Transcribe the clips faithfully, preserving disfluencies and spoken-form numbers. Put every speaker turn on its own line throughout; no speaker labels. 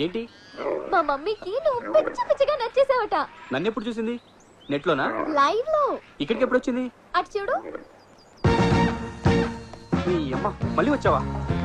ఏంటి?
మా మమ్మీకి నువ్వు పిచ్చి పిచ్చిగా నచ్చేసావట.
నన్ను ఎప్పుడు చూసింది? నెట్ లోనా?
లైవ్ లో.
ఇక్కడికి ఎప్పుడు వచ్చింది?
అటు చూడు.
నీ అమ్మ మళ్ళీ వచ్చావా?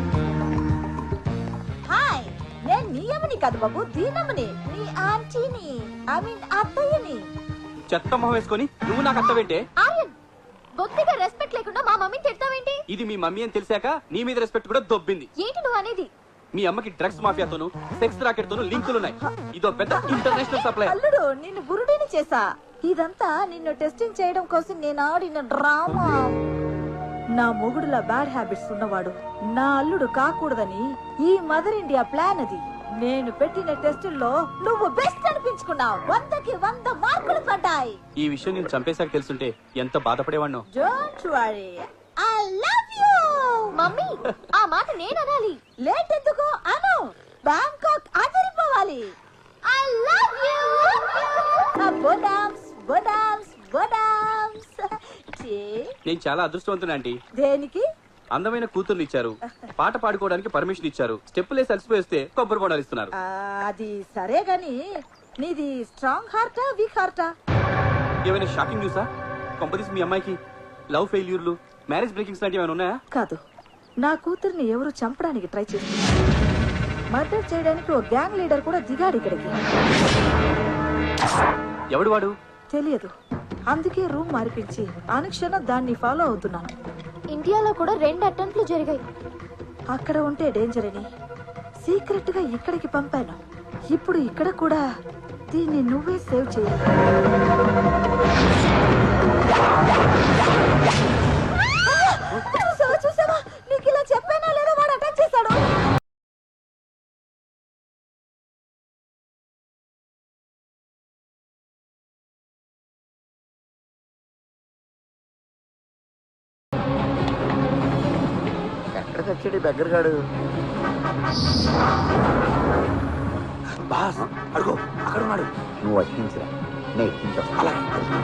హాయ్, నేను నీ అమ్మని కాదు బాబు, దీనమ్మని, నీ ఆంటీని, ఐ మీన్ అత్తయ్యని.
చెత్త మొహం వేసుకొని నువ్వు నాకు అత్తవేంటే?
ఆర్యన్, బొత్తిగా రెస్పెక్ట్ లేకుండా మా మమ్మీని తిడతావేంటి?
ఇది మీ మమ్మీ అని తెలిసాక నీ మీద రెస్పెక్ట్ కూడా దొబ్బింది.
ఏంటి నువ్వు అనేది?
మీ అమ్మకి డ్రగ్స్ మాఫియాతోను సెక్స్ రాకెట్ తోను లింకులున్నాయి. ఇదో పెద్ద ఇంటర్నేషనల్ సప్లై.
అల్లుడు, నిన్ను బురుడిని చేసా. ఇదంతా నిన్ను టెస్టింగ్ చేయడం కోసం నేను ఆడిన డ్రామా. నా మొగుడులా బ్యాడ్ హ్యాబిట్స్ ఉన్నవాడు నా అల్లుడు కాకూడదని ఈ మదర్ ఇండియా ప్లాన్ అది. నేను పెట్టిన టెస్టుల్లో నువ్వు బెస్ట్ అనిపించుకున్నావు. వందకి వంద మార్కులు పడ్డాయి.
ఈ విషయం నేను చంపేశాక తెలుసుంటే ఎంత బాధపడేవాణ్ణో.
Don't worry, I love you.
Mummy, ఆ మాట నేను అనాలి.
లేట్ ఎందుకు అను. బ్యాంకాక్ అదిరిపోవాలి.
I love you.
బోడామ్స్ బోడామ్స్ బోడామ్స్.
నేను చాలా అదృష్టవంతుడు ఆంటీ.
దేనికి?
అందమైన కూతుర్ని ఇచ్చారు, పాట పాడుకోవడానికి పర్మిషన్ ఇచ్చారు, స్టెప్పులేసి అలసిపోయిస్తే కొబ్బరి బొండాలు ఇస్తున్నారు.
ఆ, అది సరే గాని నీది స్ట్రాంగ్ హార్టా వీక్ హార్టా?
ఏమైనా షాకింగ్ న్యూసా? కొంపదీసి మీ అమ్మాయికి లవ్ ఫెయిల్యూర్లు, మ్యారేజ్ బ్రేకింగ్స్ లాంటివి ఏమైనా ఉన్నాయా?
కాదు, నా కూతుర్ని ఎవరు చంపడానికి ట్రై చేస్తున్నారు. మర్డర్ చేయడానికి ఓ గ్యాంగ్ లీడర్ కూడా దిగాడు ఇక్కడికి.
ఎవడు వాడు?
తెలియదు, అందుకే రూమ్ మార్పించి అనుక్షణం దాన్ని ఫాలో అవుతున్నాను.
ఇండియాలో కూడా రెండు అటెంప్ట్లు జరిగాయి.
అక్కడ ఉంటే డేంజర్ అని సీక్రెట్ గా ఇక్కడికి పంపాను. ఇప్పుడు ఇక్కడ కూడా దీన్ని నువ్వే సేవ్ చేయాలి. చూసావా చూసావా, నీకు ఇలా చెప్పానా లేదా? వాడు అటాక్ చేశాడు.
ఎక్కడికి వచ్చాడు దగ్గరగాడు?
బాస్ అడుగు, అక్కడ ఉన్నాడు.
నువ్వు వచ్చించరా, నేను ఎక్కించావు.
అలాగే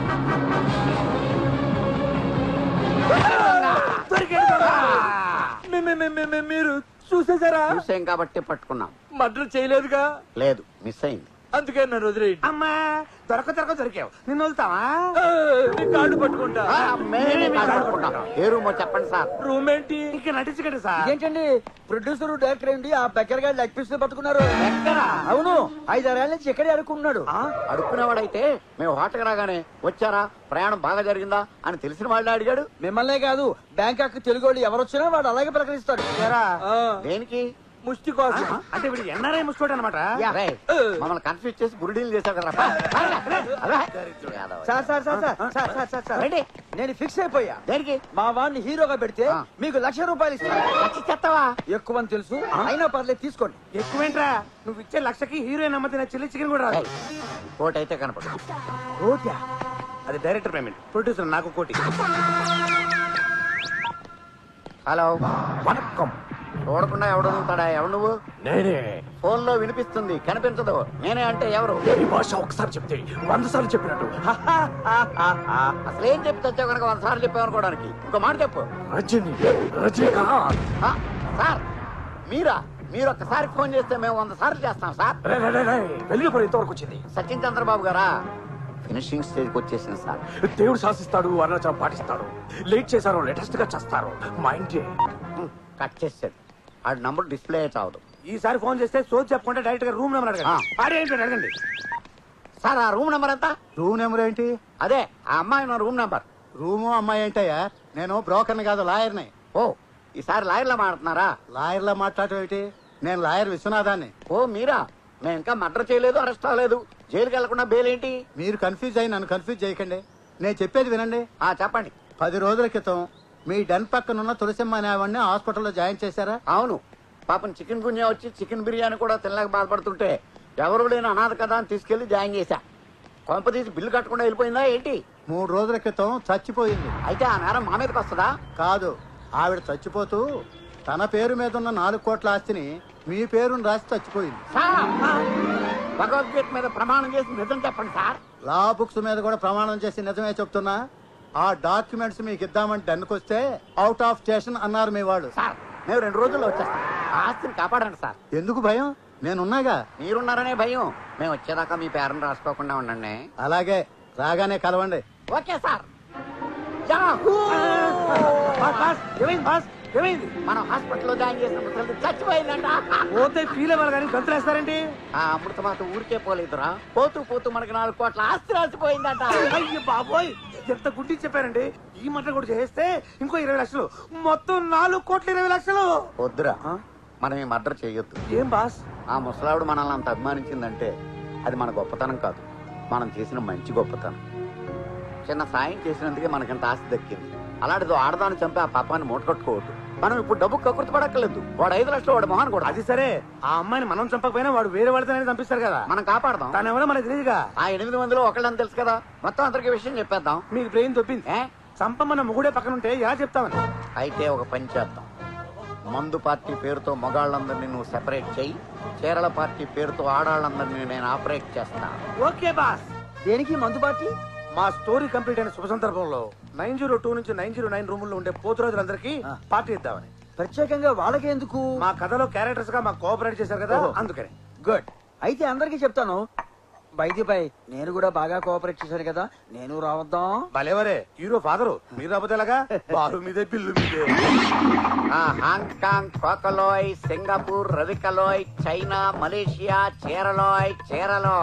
మీరు చూసేసారా?
చూసాం కాబట్టి పట్టుకున్నాం.
మర్డర్ చేయలేదుగా?
లేదు, మిస్ అయింది.
అందుకే నన్ను వదిలేయండి. అమ్మా, దొరక దొరక దొరికావు. నిన్ను వదులుతావా? నీ కాళ్ళు పట్టుకుంటా.
ఆ, మేమే కాదు పట్టుకుంటాం. ఏ రూమో చెప్పండి సార్.
రూమ్ ఏంటి? ఇంకా నటించకండి సార్.
ఏంటండి ప్రొడ్యూసర్ డైరెక్టర్ ఏంటి ఆ బెక్కర్ గారి లెగ్ పీస్ పట్టుకున్నారు? అవును, ఐదారేళ్ల నుంచి ఇక్కడే అడుక్కున్నాడు.
అడుక్కునేవాడైతే మేము హోటల్కి రాగానే వచ్చారా, ప్రయాణం బాగా జరిగిందా అని తెలిసిన వాళ్ళే అడిగాడు.
మిమ్మల్నే కాదు, బ్యాంకాక్ తెలుగు వాళ్ళు ఎవరు వచ్చినా వాడు అలాగే ప్రకటిస్తాడు.
దేనికి?
ముష్టి కోసం. అంటే వీడు ఎన్ఆర్ఐ ముసుకోడు అనమాట.
రేయ్, మమ్మల్ని కన్ఫ్యూజ్ చేసి గురుడీలు చేశావు కదా.
Sir sir sir sir sir sir sir sir
ఏంటి?
నేను ఫిక్స్ అయిపోయా.
దేనికి?
మా వాడిని హీరోగా పెడితే
ఆ.
మీకు లక్ష రూపాయలు ఇస్తాను.
లక్ష చెత్తవా?
ఎక్కువ అని తెలుసు, అయినా పర్లేదు తీసుకోండి.
ఎక్కువేంట్రా, నువ్వు ఇచ్చే లక్షకి హీరోయిన్ అమ్మతే నా చిల్లి చికెన్ కూడా రాదు.
కోటి అయితే కనపడు.
కోట్యా? అది డైరెక్టర్ పేమెంట్, ప్రొడ్యూసర్ నాకు కోటి.
హలో,
వనక్కం.
చూడకుండా ఎవడు వదులుతాడా? ఎవడు నువ్వు?
నేనే.
ఫోన్ లో వినిపిస్తుంది, కనిపించదు. నేనే అంటే ఎవరు?
ఈ భాష ఒకసారి చెప్తే వంద సార్లు చెప్పినట్టు.
అసలు ఏం చెప్పి తెచ్చావు కనుక వంద సార్లు చెప్పావు అనుకోవడానికి. ఇంకో మాట చెప్పు.
రజని, రజనీకాంత్.
ఆ, సార్ మీరా? మీరు ఒక్కసారి ఫోన్ చేస్తే మేము వంద సార్లు చేస్తాం సార్.
వెలుగుపడి ఇంతవరకు వచ్చింది.
సచిన్ చంద్రబాబు గారా? ఫినిషింగ్ స్టేజ్కి వచ్చేసింది సార్.
దేవుడు శాసిస్తాడు, అరుణాచలం పాటిస్తాడు. లేట్ చేశారు, లేటెస్ట్ గా చేస్తారు. మా ఇంటి
కట్ చేసాడు. ఆ నంబర్ డిస్ప్లే చావదు.
ఈసారి ఫోన్ చేస్తే సోచ్ చెప్పకుండా డైరెక్ట్ గా రూమ్ నెంబర్ అడగండి. అడగండి అడగండి.
సార్ ఆ రూమ్ నెంబర్ ఎంత?
రూమ్ నెంబర్ ఏంటి?
అదే ఆ అమ్మాయి నా రూమ్ నెంబర్.
రూము అమ్మాయి ఏంటయ్యా? నేను బ్రోకర్ని కాదు, లాయర్ని.
ఓ, ఈసారి లాయర్లా మాట్లాడుతున్నారా?
లాయర్లా మాట్లాడటం ఏంటి? నేను లాయర్ విశ్వనాథాన్ని.
ఓ మీరా? మేము ఇంకా మర్డర్ చేయలేదు, అరెస్ట్ అవ్వలేదు. జైలుకి వెళ్లకుండా బెయిల్ ఏంటి?
మీరు కన్ఫ్యూజ్ అయ్యి నన్ను కన్ఫ్యూజ్ చేయకండి. నేను చెప్పేది వినండి.
ఆ చెప్పండి.
పది రోజుల క్రితం మీ డన్ పక్కనున్న తులసిమ్మ అనే ఆవిడ్ని హాస్పిటల్లో జాయిన్ చేశారా?
అవును, పాపం చికెన్ గున్యా వచ్చి చికెన్ బిర్యానీ కూడా తినలేక బాధపడుతుంటే ఎవరు లేని అనాథ కదా అని తీసుకెళ్లి జాయిన్ చేశా. కొంప తీసి బిల్లు కట్టకుండా వెళ్ళిపోయిందా ఏంటి?
మూడు రోజుల క్రితం చచ్చిపోయింది.
అయితే ఆ నేరం మా మీదకి వస్తుందా?
కాదు, ఆవిడ చచ్చిపోతూ తన పేరు మీద ఉన్న నాలుగు కోట్ల ఆస్తిని మీ పేరును రాసి చచ్చిపోయింది.
భగవద్గీత మీద ప్రమాణం చేసి నిజం చెప్పండి సార్.
లా బుక్స్ మీద కూడా ప్రమాణం చేసి నిజమే చెప్తున్నా. ఆ డాక్యుమెంట్స్ మీకు ఇద్దామని డన్నుకొస్తే అవుట్ ఆఫ్ స్టేషన్ అన్నారు మీ వాళ్ళు.
సార్ మేము రెండు రోజుల్లో వచ్చేస్తాం. ఆ ఆస్తిని కాపాడండి సార్.
ఎందుకు భయం? నేనున్నాగా.
మీరున్నారనే భయం. మేము వచ్చేదాకా మీ పేరెంట్ రాసుకోకుండా ఉండండి.
అలాగే రాగానే కలవండి.
Okay sir.
బాస్ బాస్ ఏమైంది బాస్ ఏమైంది?
మనం హాస్పిటల్లో జాయిన్ చేసిన ముసలి చచ్చిపోయిందంట.
పోతే ఫీల్ అవ్వాలి కానీ గంతులేస్తారేంటి?
ఆ అమృతమాత ఊరికే పోలేదురా, పోతూ పోతూ మనకి నాలుగు కోట్ల ఆస్తి రాసిపోయిందంట.
అయ్యో బాబోయ్, ఎంత గుడ్డి చెప్పారండి. ఈ మాట కూడా చేస్తే ఇంకో ఇరవై లక్షలు, మొత్తం నాలుగు కోట్ల ఇరవై లక్షలు.
వద్దురా, మనం ఈ మర్డర్ చేయొద్దు.
ఏం బాస్?
ఆ ముసలావిడ మనల్ని అంత అభిమానించిందంటే అది మన గొప్పతనం కాదు, మనం చేసిన మంచి గొప్పతనం. చిన్న సాయం చేసినందుకే మనకింత ఆస్తి దక్కింది. అలాంటిదో ఆడదాన్ని చంపి ఆ పాపాన్ని మూటకట్టుకోవద్దు. మనం ఇప్పుడు డబ్బు కకృతి పడక్కర్లేదు. వాడు ఐదు లక్షలు వాడు మొహాన్ కూడా.
అది సరే, ఆ అమ్మాయిని మనం చంపకపోయినా వాడు వేరే వాడితేనే చంపిస్తారు కదా.
మనం కాపాడదాం.
తను ఎవరో మనకు తెలియదుగా.
ఆ ఎనిమిది మందిలో ఒకళ్ళని తెలుసు కదా, మొత్తం అందరికి విషయం చెప్పేద్దాం.
మీకు బ్రెయిన్ తొప్పింది.
ఏ
చంపమన్న ముగుడే పక్కన ఉంటే ఎలా చెప్తామని.
అయితే ఒక పని చేద్దాం. మందు పార్టీ పేరుతో మగాళ్ళందరినీ నువ్వు సెపరేట్ చెయ్యి, చీరల పార్టీ పేరుతో ఆడాళ్ళందరినీ నేను ఆపరేట్ చేస్తా.
Okay boss.
దేనికి మందు పార్టీ?
మా స్టోరీ కంప్లీట్ అయిన శుభ సందర్భంలో నైన్ జీరో టూ నుంచి నైన్ జీరో నైన్ రూముల్లో ఉండే పోతురాజులందరికీ పార్టీ ఇద్దామని.
ప్రత్యేకంగా వాళ్ళకి ఎందుకు?
మా కథలో క్యారెక్టర్స్ గా మాకు కోఆపరేట్ చేశారు కదా, అందుకని.
గుడ్. అయితే అందరికి చెప్తాను. బైది బై నేను కూడా బాగా కోఆపరేట్ చేశాను కదా, నేను రావద్దాం.
భలేవరే, హీరో ఫాదరు మీరు రాకపోతే ఎలాగా? బారు మీదే పిల్లు మీదే.
ఆ హాంకాంగ్, కోకలోయ్, సింగపూర్, రవికలోయ్, చైనా, మలేషియా, చీరలోయ్ చీరలో.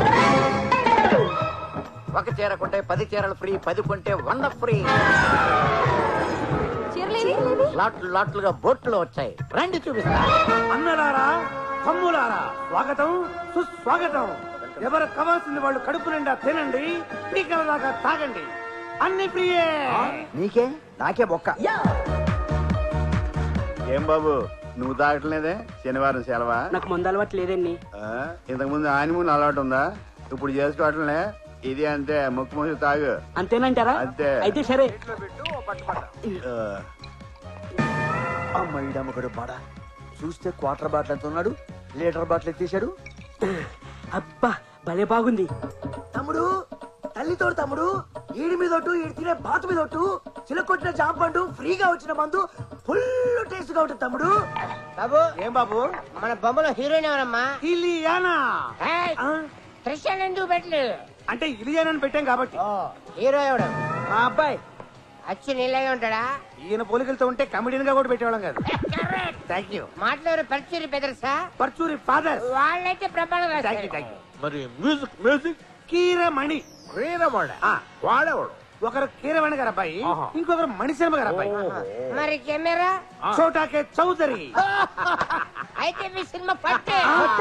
ఒక చీర కొంటే పది చీరలు ఫ్రీ, పది కొంటే వంద ఫ్రీ. లాట్లు లాట్లుగా బోట్లు వచ్చాయి, రండి చూపిస్తా.
అన్నలారా, తమ్ములారా, స్వాగతం సుస్వాగతం. ఎవరు కావాల్సింది వాళ్ళు కడుపు నిండా తినండి, పీకల దాకా తాగండి, అన్ని ఫ్రీయే.
నీకే నాకే బొక్క.
ఏం బాబు నువ్వు తాగట్లేదే? శనివారం సెలవా?
నాకు మందు అలవాటు లేదండి.
ఇంతకు ముందు ఆనిమూన్ అలవాటు ఉందా? ఇప్పుడు చేసుకోవట్లే. ఇది అంతే, ముక్కు మూసి తాగు.
అంతేనంటారా?
అంతే.
అయితే సరే.
అమ్మడు బాడా చూస్తే క్వార్టర్ బాటిల్ ఎంత ఉన్నాడు, లీటర్ బాటిల్ ఎత్తేసాడు.
అబ్బా భలే బాగుంది.
తమ్ముడు, తల్లితో తమ్ముడు, ఈడి మీద ఒట్టు, ఈడి తినే బాతు మీద ఒట్టు, చిలకొట్టిన జాంపండు, ఫ్రీగా వచ్చిన మందు, ఫుల్ టేస్ట్ గా ఉంటుంది తమ్ముడు.
బాబు ఏం బాబు?
మన బొమ్మలో హీరోయిన్ ఎవరమ్మా?
ఇలియానా. ఆ?
త్రిషాన్ ఎందుకు పెట్టలేదు?
అంటే ఇలియానాని పెట్టాం కాబట్టి.
హీరో ఎవడు?
మా అబ్బాయి
అచ్చి నీళ్ళగా ఉంటాడా?
ఈయన పోలికలతో ఉంటే కమెడియన్ గా కూడా పెట్టేవాళ్ళం కాదు. Thank you.
మాటలో ఎవరు పరిచయం బెదర్సా?
పర్చూరి ఫాదర్.
వాళ్ళైతే ప్రమాణం
థ్యాంక్ యూ థ్యాంక్ యూ.
మరి మ్యూజిక్ మ్యూజిక్
కీరమణి.
క్రీడమోడ
ఆ,
వాడేవాడు.
ఒకరు కీరవాణి గారు అబ్బాయి, ఇంకొకరు మణిశర్మ గారు అబ్బాయి.
మరి కెమెరా?
చోటాకే చౌదరి.
అయితే మీ సినిమా పట్టే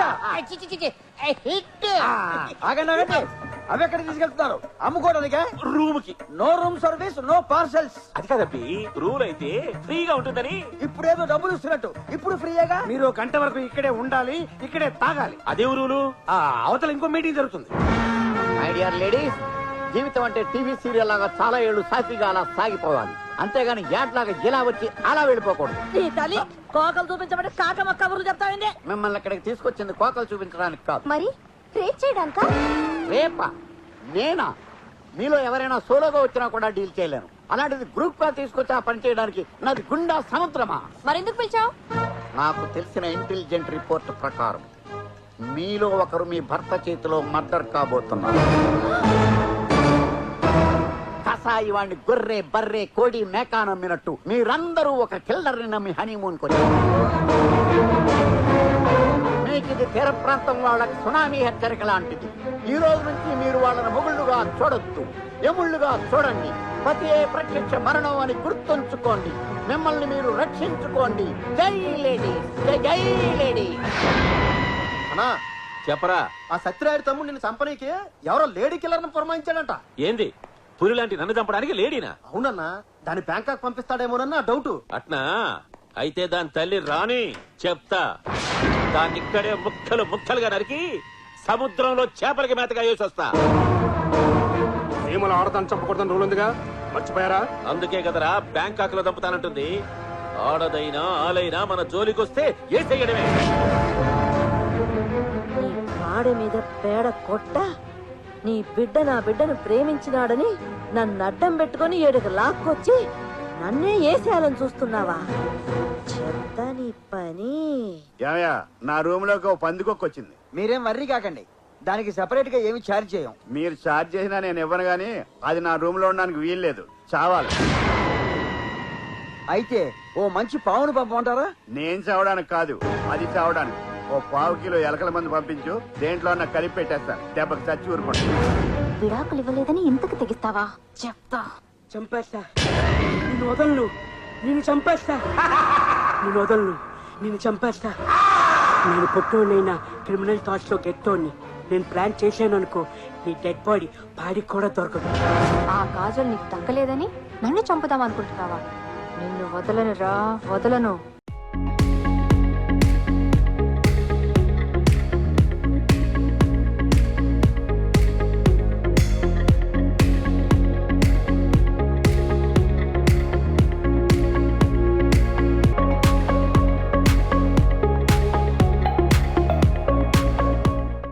హిట్.
ఆగండి ఆగండి, అవి ఎక్కడ తీసుకెళ్తున్నారు? అమ్ముకోవడానికే?
రూమ్ కి.
No room service, no parcels.
అది కదబ్బి, రూల్ అయితే ఫ్రీగా ఉంటుందని.
ఇప్పుడేదో డబ్బులు ఇస్తున్నట్టు, ఇప్పుడు ఫ్రీయేగా.
మీరు ఒక గంట వరకు ఇక్కడే ఉండాలి, ఇక్కడే తాగాలి.
అదేం రూలు?
ఆ అవతల ఇంకో మీటింగ్ జరుగుతుంది.
మై డియర్ లేడీస్, జీవితం అంటే టీవీ సీరియల్ లాగా చాలా ఏళ్ళు సాఫీగా అలా సాగిపోవాలి, అంతేగాని యాట్లాగా ఇలా వచ్చి అలా వెళ్ళిపోకూడదు.
నీ తల్లి కోకలు చూపించబడి కాకమ్మ కబుర్లు చెప్తావండి.
మిమ్మల్ని ఇక్కడికి తీసుకొచ్చింది కోకలు చూపించడానికి కాదు.
మరి రేట్ చేయడానికా?
రేపా? నేనా? మీలో ఎవరైనా సోలోగా వచ్చినా కూడా డీల్ చేయలేను, అలాంటిది గ్రూప్ గా తీసుకొచ్చి ఆ పని చేయడానికి నాది గుండా సముద్రమా?
మరెందుకు పిలిచావు?
నాకు తెలిసిన ఇంటెలిజెంట్ రిపోర్ట్ ప్రకారం మీలో ఒకరు మీ భర్త చేతిలో మర్డర్ కాబోతున్నారు. కసాయి వాడిని గొర్రె బర్రె కోడి మేకా నమ్మినట్టు మీరందరూ ఒక కిల్లర్ని నమ్మి హనీమూన్ కొచ్చారు. మీకు ఇది తీర ప్రాంతం వాళ్ళకి సునామీ హెచ్చరిక లాంటిది. ఈ రోజు నుంచి మీరు వాళ్ళని మొగుళ్ళుగా చూడొద్దు, ఎముళ్ళుగా చూడండి. పతి ప్రత్యక్ష మరణం అని గుర్తుంచుకోండి. మిమ్మల్ని మీరు రక్షించుకోండి. జై లేడీ, జై లేడీ.
అన్నా
చెప్పరా.
ఆ సత్యరాయుడు తమ్ముడు నిన్ను చంపనీకి ఎవరో లేడీ కిల్లర్ ని పురమాయించాడంట.
ఏంది, పులి లాంటి నన్ను చంపడానికి లేడీనా?
అవునన్నా, దాని బ్యాంకాక్ పంపిస్తాడేమోనన్న డౌట్.
అట్నా? అయితే దాని తల్లి రాని చెప్తా. దాన్ని ఇక్కడే ముక్కలు ముక్కలుగా నరికి సముద్రంలో చేపలకి మేతగా వేసి వస్తా.
సీమలు ఆడతాను చంపకూడదని రూల్ ఉందిగా, మర్చిపోయారా?
అందుకే కదరా బ్యాంకాక్ లో చంపుతానంటుంది. ఆడదైనా ఆలైనా మన జోలికొస్తే ఏ చెయ్యడమే.
నీ కాడి మీద పేడ కొట్ట, నీ బిడ్డ నా బిడ్డను ప్రేమించినాడని నన్ను అడ్డం పెట్టుకుని ఏడుకు లాక్కొచ్చి నన్నే ఏసేయాలని చూస్తున్నావా? చెప్తా నీ పని.
ఏమయ్యా నా రూమ్ లోకి ఓ పందికొక్క వచ్చింది.
మీరేం వర్రీ కాకండి, దానికి సెపరేట్ గా ఏమి ఛార్జ్ చేయం.
మీరు ఛార్జ్ చేసినా నేను ఇవ్వను గానీ అది నా రూమ్ లో ఉండడానికి వీల్లేదు, చావాలి.
అయితే ఓ మంచి పావును పంపమంటారా?
నేను చావడానికి కాదు, అది చావడానికి. ఓ పావు కిలో ఎలకల మంది పంపించు, దేంట్లో నాకు కలిపి పెట్టేస్తాను, దెబ్బకి చచ్చి ఊరుకోండి.
విడాకులు ఇవ్వలేదని ఇంతకు తెగిస్తావా? చెప్తా.
చంపేస్తా నిన్ను వదలను, నిన్ను చంపేస్తా, నిన్ను వదలను, నిన్ను చంపేస్తా. నేను పొట్టోనైనా క్రిమినల్ థాట్స్ లో గెట్టోని నేను ప్లాన్ చేశాను అనుకో, నీ డెడ్ బాడీ బాడీకి కూడా దొరకదు.
ఆ కాజల్ నీకు దక్కలేదని నన్ను చంపుదాం అనుకుంటున్నావా? నిన్ను వదలను రా, వదలను.